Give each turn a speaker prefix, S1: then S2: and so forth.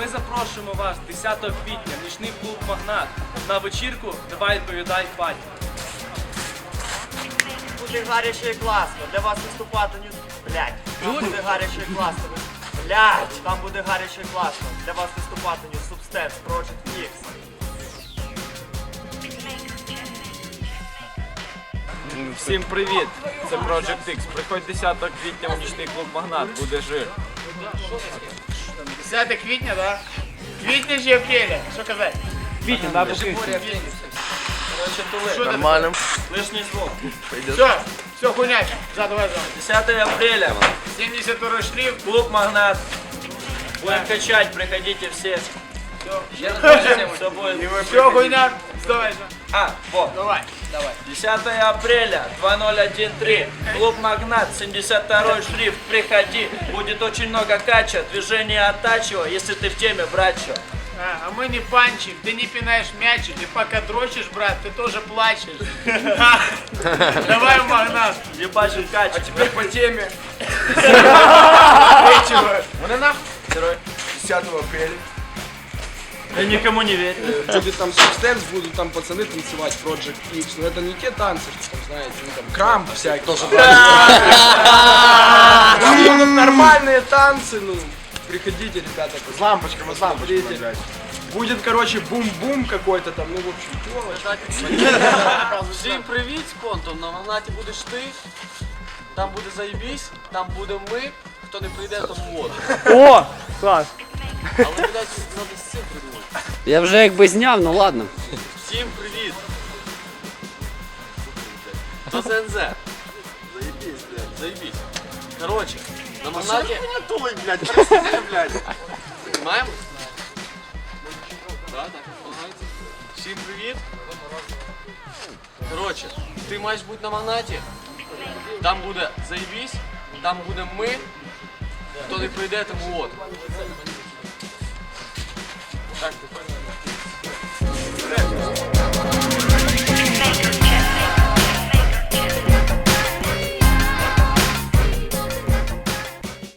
S1: Ми запрошуємо вас 10 квітня в нічний клуб «Магнат» на вечірку «Давай відповідай, батько».
S2: Буде гаряче і класно. Для вас виступати не... Блядь. Там буде гаряче і класно. Блядь. Там буде гаряче і класно. Для вас виступати не Substance, Project X.
S3: Всім привіт! Це Project X. Приходь 10 квітня у нічний клуб «Магнат», буде жир.
S4: 10 квітня, да? Квітня чи апреля? Що казати?
S1: Квітня, да, покинь.
S3: Нормально.
S1: Лишній звук.
S4: Все, хуйня. Давай.
S1: 10 апреля,
S4: 72 шрифт.
S1: клуб «Магнат». Будем качать, приходите все. Все будет.
S4: Все, хуйня. Давай.
S1: Вот.
S4: Давай.
S1: 10 апреля, 2013, клуб «Магнат», 72-й шрифт, приходи, будет очень много кача, движение оттачивай, если ты в теме, братчо.
S4: А мы не панчик, ты не пинаешь мячик, и пока дрочишь, брат, ты тоже плачешь. Давай в Магнат.
S1: Ебашим кача.
S3: А теперь по теме.
S1: Вон она. Герой.
S3: 10 апреля.
S1: Я никому не верю.
S5: Будет там Substance, будут там пацаны танцевать, Project X, но это не те танцы, что там, знаете, ну там крамп всякий. Тоже будут нормальные танцы, ну, приходите, ребята.
S3: С лампочками,
S5: Смотрите. Будет, короче, бум-бум какой-то там, ну, в общем,
S6: Всім привіт, спонтом, на Магнаті будеш ти, там буде заєбісь, там будемо ми, хто не прийде, тому вот.
S1: О, класс.
S6: Але, блядь, треба з цим придумати.
S7: Я вже якби зняв, ну ладно.
S6: Всім привіт. До ЗНЗ. Заєбісь, блядь, заєбісь. Короче, на Магнаті... Понимаємо? Да, так, допомагається. Всім привіт. Короче, ти маєш бути на Магнаті, там буде заєбісь, там будемо ми, хто не прийде, тому от. Так,